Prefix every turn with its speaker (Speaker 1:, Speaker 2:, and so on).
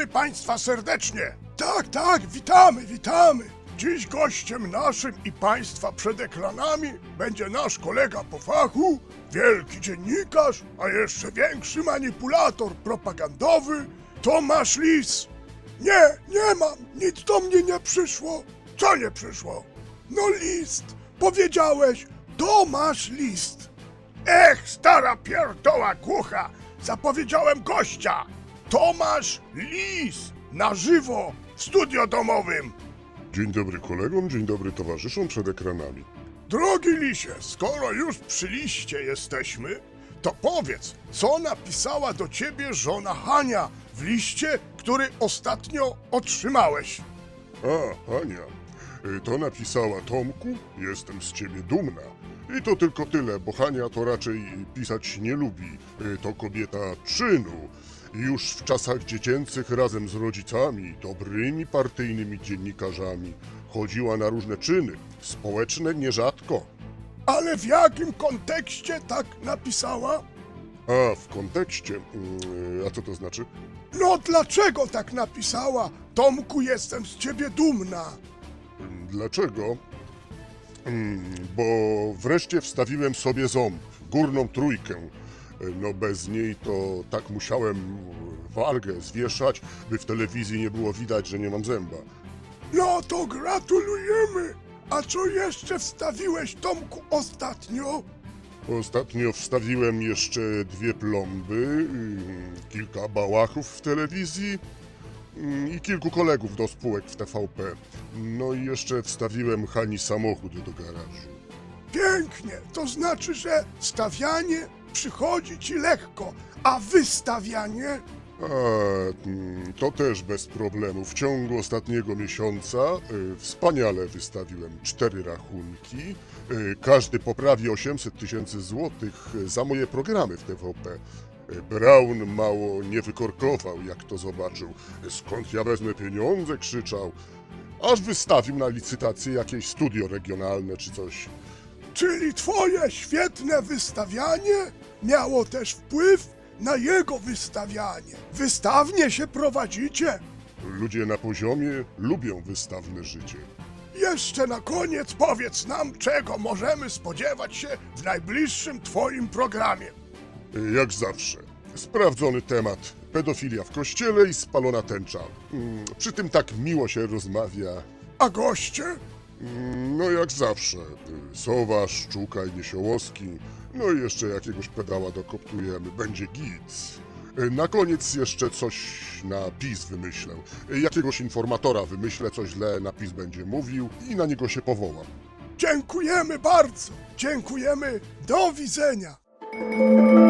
Speaker 1: Witamy Państwa serdecznie. Tak, witamy. Dziś gościem naszym i Państwa przed ekranami będzie nasz kolega po fachu, wielki dziennikarz, a jeszcze większy manipulator propagandowy, Tomasz Lis. Nie mam, nic do mnie nie przyszło. Co nie przyszło? No list, powiedziałeś, Tomasz List. Ech, stara pierdoła głucha, zapowiedziałem gościa. Tomasz Lis, na żywo, w studio domowym.
Speaker 2: Dzień dobry kolegom, dzień dobry towarzyszom przed ekranami.
Speaker 1: Drogi Lisie, skoro już przy liście jesteśmy, to powiedz, co napisała do ciebie żona Hania w liście, który ostatnio otrzymałeś.
Speaker 2: A, Hania, to napisała: Tomku, jestem z ciebie dumna. I to tylko tyle, bo Hania to raczej pisać nie lubi. To kobieta czynu. Już w czasach dziecięcych razem z rodzicami, dobrymi partyjnymi dziennikarzami, chodziła na różne czyny, społeczne nierzadko.
Speaker 1: Ale w jakim kontekście tak napisała?
Speaker 2: A, w kontekście, a co to znaczy?
Speaker 1: No dlaczego tak napisała? Tomku, jestem z ciebie dumna.
Speaker 2: Dlaczego? Bo wreszcie wstawiłem sobie ząb, górną trójkę. No bez niej to tak musiałem wargę zwieszać, by w telewizji nie było widać, że nie mam zęba.
Speaker 1: No to gratulujemy. A co jeszcze wstawiłeś, Tomku, ostatnio?
Speaker 2: Ostatnio wstawiłem jeszcze 2 plomby, kilka bałachów w telewizji i kilku kolegów do spółek w TVP. No i jeszcze wstawiłem Hani samochód do garażu.
Speaker 1: Pięknie, to znaczy, że stawianie przychodzi ci lekko, a wystawianie?
Speaker 2: A, to też bez problemu. W ciągu ostatniego miesiąca wspaniale wystawiłem 4 rachunki. Każdy po prawie 800 000 złotych za moje programy w TVP. Braun mało nie wykorkował, jak to zobaczył. Skąd ja wezmę pieniądze? Krzyczał. Aż wystawił na licytację jakieś studio regionalne czy coś.
Speaker 1: Czyli twoje świetne wystawianie miało też wpływ na jego wystawianie. Wystawnie się prowadzicie.
Speaker 2: Ludzie na poziomie lubią wystawne życie.
Speaker 1: Jeszcze na koniec powiedz nam, czego możemy spodziewać się w najbliższym twoim programie.
Speaker 2: Jak zawsze. Sprawdzony temat. Pedofilia w kościele i spalona tęcza. Przy tym tak miło się rozmawia.
Speaker 1: A goście?
Speaker 2: No jak zawsze. Sowa, Szczuka i Niesiołowski. No i jeszcze jakiegoś pedała dokoptujemy. Będzie git. Na koniec jeszcze coś na PiS wymyślę. Jakiegoś informatora wymyślę, co źle na PiS będzie mówił i na niego się powołam.
Speaker 1: Dziękujemy bardzo. Dziękujemy. Do widzenia.